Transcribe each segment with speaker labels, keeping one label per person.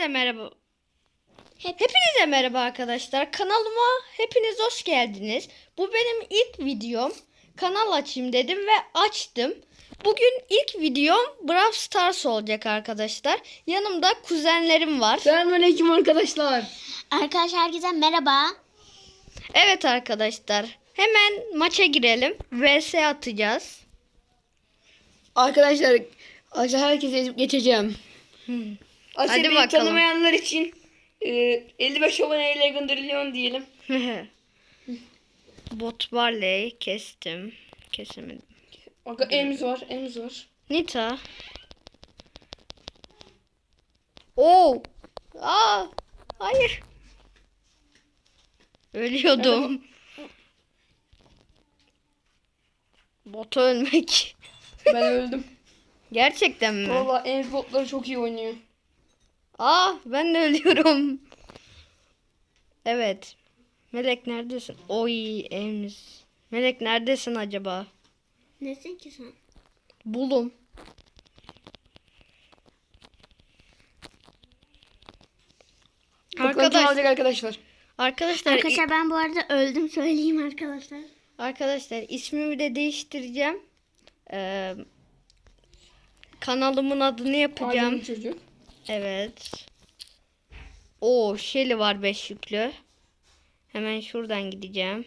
Speaker 1: Hepinize merhaba. Hepinize merhaba arkadaşlar. Kanalıma hepiniz hoş geldiniz. Bu benim ilk videom. Kanal açayım dedim ve açtım. Bugün ilk videom Brawl Stars olacak arkadaşlar. Yanımda kuzenlerim var.
Speaker 2: Selamünaleyküm arkadaşlar.
Speaker 3: Arkadaşlar herkese merhaba.
Speaker 1: Evet arkadaşlar. Hemen maça girelim. VS atacağız.
Speaker 2: Arkadaşlar herkese ezip geçeceğim.
Speaker 1: Hadi
Speaker 2: Beni
Speaker 1: bakalım.
Speaker 2: tanımayanlar için 55 aboneyle gönderiliyor diyelim.
Speaker 1: Bot Barley kestim. Kesemedim.
Speaker 2: Elimiz var.
Speaker 1: Nita. Oo. Hayır. Ölüyordum. Bota ölmek.
Speaker 2: Ben öldüm.
Speaker 1: Gerçekten mi?
Speaker 2: Valla Elimiz botları çok iyi oynuyor.
Speaker 1: Ben de ölüyorum. Evet. Melek neredesin? Oy Ems. Melek neredesin acaba?
Speaker 3: Nesin ki sen?
Speaker 1: Bulum.
Speaker 2: Bakalım kim alacak arkadaşlar.
Speaker 1: Arkadaşlar
Speaker 3: Ben bu arada öldüm söyleyeyim arkadaşlar.
Speaker 1: Arkadaşlar ismimi de değiştireceğim. Kanalımın adını yapacağım.
Speaker 2: Aydın çocuk.
Speaker 1: Evet. Shelly var 5 yüklü. Hemen şuradan gideceğim.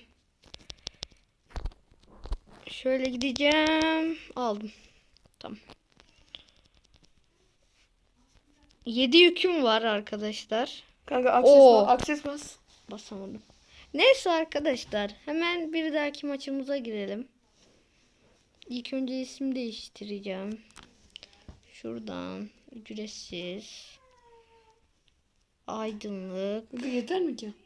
Speaker 1: Şöyle gideceğim. Aldım. Tamam. 7 yüküm var arkadaşlar.
Speaker 2: Kanka akses bas.
Speaker 1: Basamadım. Neyse arkadaşlar. Hemen bir dahaki maçımıza girelim. İlk önce isim değiştireceğim. Şuradan. Ücretsiz. Aydınlık.
Speaker 2: Kanka yeter mi ki?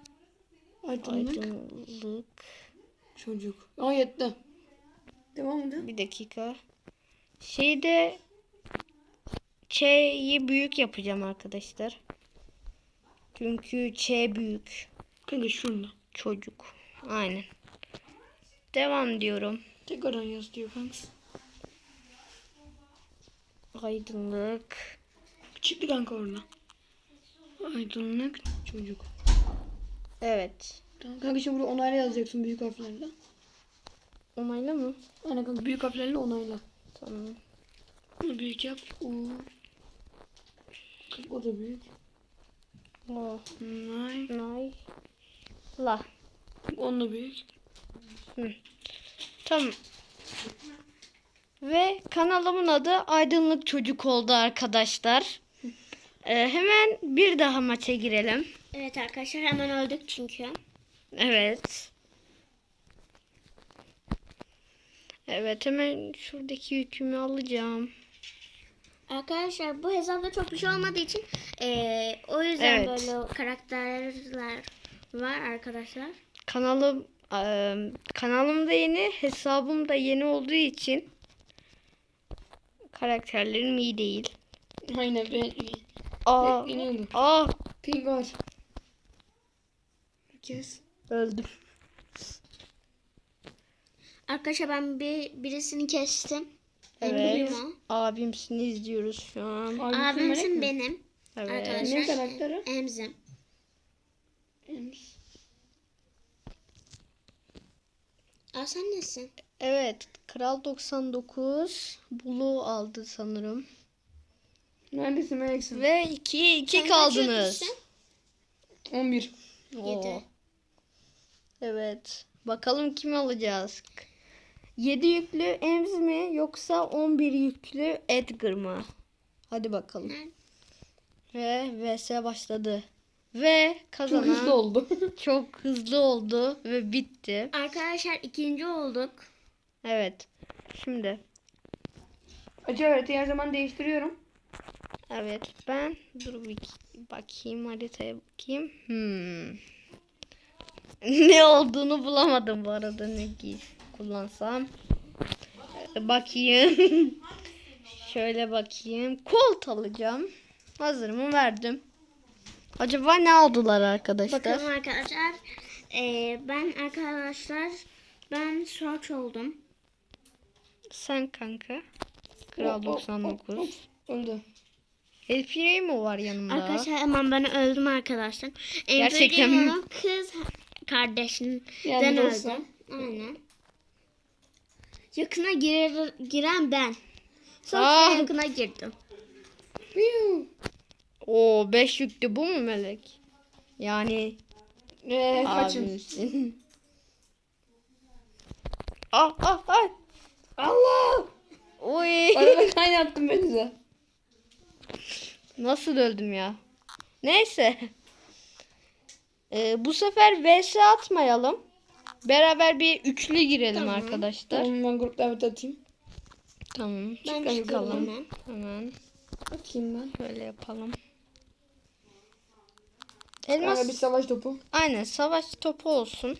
Speaker 1: Aydınlık.
Speaker 2: Çocuk. Yetti. Devam edelim.
Speaker 1: Bir dakika. Şeyde Ç'yi büyük yapacağım arkadaşlar. Çünkü Ç büyük.
Speaker 2: Kanka şurada.
Speaker 1: Çocuk. Aynen. Devam diyorum.
Speaker 2: Tekrardan yaz diyor kanka.
Speaker 1: Aydınlık.
Speaker 2: Çıktı kanka orada. Aydınlık çocuk.
Speaker 1: Evet.
Speaker 2: Tamam kanka şimdi burada onayla yazacaksın büyük harflerle.
Speaker 1: Onayla mı?
Speaker 2: Aynen kanka büyük harflerle onayla.
Speaker 1: Tamam.
Speaker 2: Bunu büyük yap. O da büyük.
Speaker 1: Onay. La.
Speaker 2: On da büyük.
Speaker 1: Tamam. Ve kanalımın adı Aydınlık Çocuk oldu arkadaşlar. Hemen bir daha maça girelim.
Speaker 3: Evet arkadaşlar hemen öldük çünkü.
Speaker 1: Evet. Evet hemen şuradaki yükümü alacağım.
Speaker 3: Arkadaşlar bu hesapta çok bir şey olmadığı için o yüzden
Speaker 1: Evet.
Speaker 3: böyle karakterler var arkadaşlar.
Speaker 1: Kanalım da yeni, hesabım da yeni olduğu için karakterlerim iyi değil.
Speaker 2: Aynen ben bekleniyorum. Ping var. Kes.
Speaker 1: Öldüm.
Speaker 3: Arkadaşlar ben birisini kestim.
Speaker 1: Evet.
Speaker 3: Benim
Speaker 1: Abimsini izliyoruz şu an.
Speaker 3: abimsin benim.
Speaker 1: Evet.
Speaker 3: Arkadaşlar.
Speaker 2: Ne karakteri?
Speaker 3: Emzim. Sen nesin?
Speaker 1: Evet. Kral 99 Bulu aldı sanırım.
Speaker 2: Neredesin Melek'sin?
Speaker 1: Ve 2
Speaker 3: Sen kaç
Speaker 1: kaldınız.
Speaker 3: yüklüsün?
Speaker 2: 11.
Speaker 1: Oo.
Speaker 3: 7.
Speaker 1: Evet. Bakalım kimi alacağız? 7 yüklü Ems mi yoksa 11 yüklü Edgar mı? Hadi bakalım. Ve vs başladı. Ve
Speaker 2: Çok
Speaker 1: kazanan
Speaker 2: hızlı oldu.
Speaker 1: çok hızlı oldu ve bitti.
Speaker 3: Arkadaşlar ikinci olduk.
Speaker 1: Evet. Şimdi
Speaker 2: Acı haritayı her zaman değiştiriyorum.
Speaker 1: evet ben bir bakayım haritaya bakayım. Ne olduğunu bulamadım bu arada ne kullansam. Bakayım. Şöyle bakayım. Colt alacağım. Hazırımı verdim. Acaba ne aldılar arkadaşlar?
Speaker 3: Bakalım arkadaşlar. Ben search oldum.
Speaker 1: Sen kanka. Kral 99.
Speaker 2: Öldü.
Speaker 1: El Primo var yanımda.
Speaker 3: Arkadaşlar hemen ben öldüm arkadaşlar.
Speaker 1: Gerçekten mi?
Speaker 3: Primo'nun kız kardeşinden
Speaker 2: Yani dostum.
Speaker 3: öldüm. Aynen. Yakına giren ben. Sonra
Speaker 1: Aa.
Speaker 3: yakına girdim.
Speaker 1: Oo 5 yüklü bu mu Melek? Yani
Speaker 2: Kaçın.
Speaker 1: abimsin. Ay.
Speaker 2: Allah!
Speaker 1: Oy.
Speaker 2: Arada kaynattım beni de.
Speaker 1: Nasıl öldüm ya? Neyse. Bu sefer vs atmayalım. Beraber bir üçlü girelim
Speaker 3: Tamam.
Speaker 1: arkadaşlar.
Speaker 2: Tamam ben grup davet atayım.
Speaker 1: Tamam.
Speaker 3: Ben
Speaker 1: Çıkalım.
Speaker 3: çıkalım hemen.
Speaker 1: Hemen
Speaker 2: Atayım ben.
Speaker 1: böyle yapalım.
Speaker 2: Kanka
Speaker 1: Elmas
Speaker 2: bir savaş topu.
Speaker 1: aynen savaş topu olsun.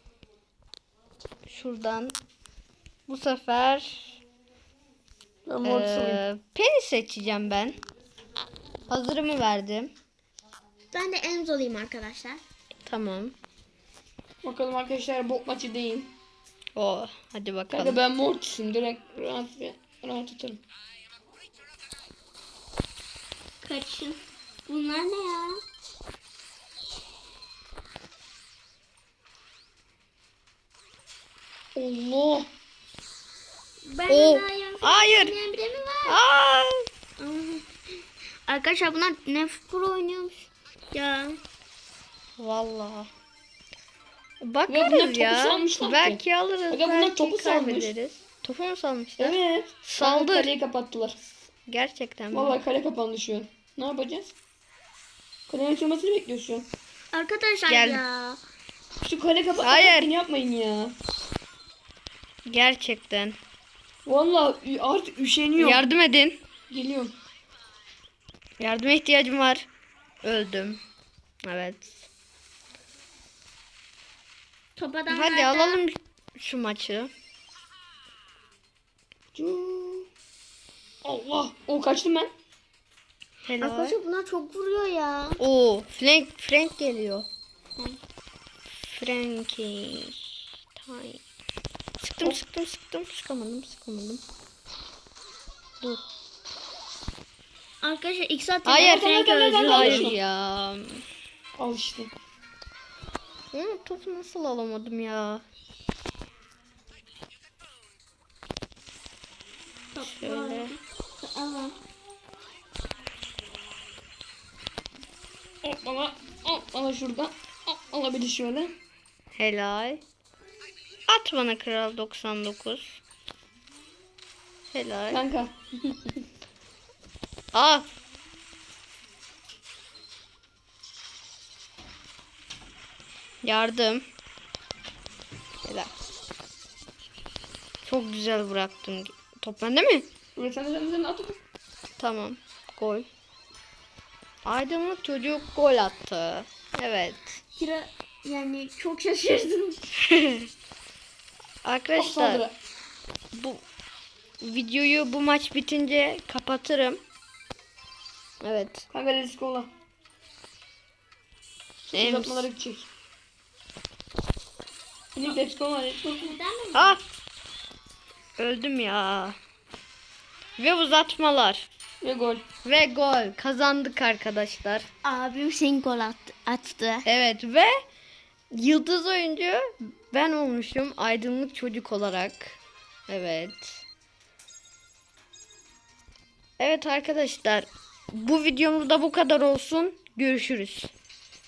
Speaker 1: Şuradan bu sefer
Speaker 2: Ben mortis alayım.
Speaker 1: Penny seçeceğim ben. Hazırımı verdim.
Speaker 3: Ben de Enzo'luyum arkadaşlar.
Speaker 1: Tamam.
Speaker 2: Bakalım arkadaşlar bot maçı değil.
Speaker 1: Hadi bakalım.
Speaker 2: Kanka ben mortisim. Direkt rahat atarım.
Speaker 3: Kaçın. Bunlar ne ya?
Speaker 2: Allah!
Speaker 3: Ben
Speaker 1: Oo,
Speaker 3: daha yanlış
Speaker 1: hayır.
Speaker 3: oynayan biri mi var?
Speaker 1: Aa!
Speaker 3: Arkadaşlar bunlar Nef Pro oynuyormuş. Ya.
Speaker 1: Vallahi.
Speaker 2: Ve bunlar
Speaker 1: Bakarız
Speaker 2: topu
Speaker 1: ya.
Speaker 2: salmışlar ki.
Speaker 1: Belki alırız.
Speaker 2: Aga bunlar
Speaker 1: belki
Speaker 2: topu salmış.
Speaker 1: kaybederiz. Topu mu salmışlar?
Speaker 2: Evet.
Speaker 1: Saldır.
Speaker 2: Kanka kaleyi kapattılar.
Speaker 1: Gerçekten mi?
Speaker 2: Vallahi kale kapandı şu an. Ne yapacağız? Kalenin açılmasını bekliyoruz şu an.
Speaker 3: Arkadaşlar
Speaker 1: Gel.
Speaker 3: ya.
Speaker 2: Şu kale kapat.
Speaker 1: Hayır.
Speaker 2: Yapmayın ya.
Speaker 1: Gerçekten.
Speaker 2: Vallahi artık üşeniyorum.
Speaker 1: Yardım edin.
Speaker 2: Geliyorum.
Speaker 1: Yardıma ihtiyacım var. Öldüm. Evet.
Speaker 3: Top adamlar
Speaker 1: Hadi
Speaker 3: da-
Speaker 1: alalım şu maçı.
Speaker 2: Allah. O kaçtım ben.
Speaker 1: Helal.
Speaker 3: Arkadaşlar bunlar çok vuruyor ya.
Speaker 1: Oo, Frank geliyor. Frankie. Time. Sıktım. Sıkamadım. Dur.
Speaker 3: Arkadaşlar ilk saat
Speaker 1: Hayır.
Speaker 3: Frank öldü.
Speaker 1: Hayır ya.
Speaker 2: Al işte.
Speaker 1: Topu nasıl alamadım ya? Şöyle.
Speaker 3: Allah.
Speaker 2: Al şuradan. Al bir de şöyle.
Speaker 1: Helal. At bana kral 99. Helal.
Speaker 2: Kanka.
Speaker 1: Al. Yardım. Helal. Çok güzel bıraktım. Top bende mi?
Speaker 2: Evet sen at.
Speaker 1: Tamam. Gol. Aydınlık çocuk gol attı. Evet.
Speaker 3: Kira yani çok şaşırdım.
Speaker 1: Arkadaşlar bu videoyu bu maç bitince kapatırım. Evet.
Speaker 2: Kanka risk ola.
Speaker 1: Ems.
Speaker 2: Uzatmalara gidecek. Bizim risk ola.
Speaker 1: Ah! Öldüm ya. Ve uzatmalar.
Speaker 2: Ve gol.
Speaker 1: Ve gol. Kazandık arkadaşlar.
Speaker 3: Abim senin gol attı.
Speaker 1: Evet ve yıldız oyuncu ben olmuşum aydınlık çocuk olarak. Evet. Evet arkadaşlar. Bu videomuz da bu kadar olsun. Görüşürüz.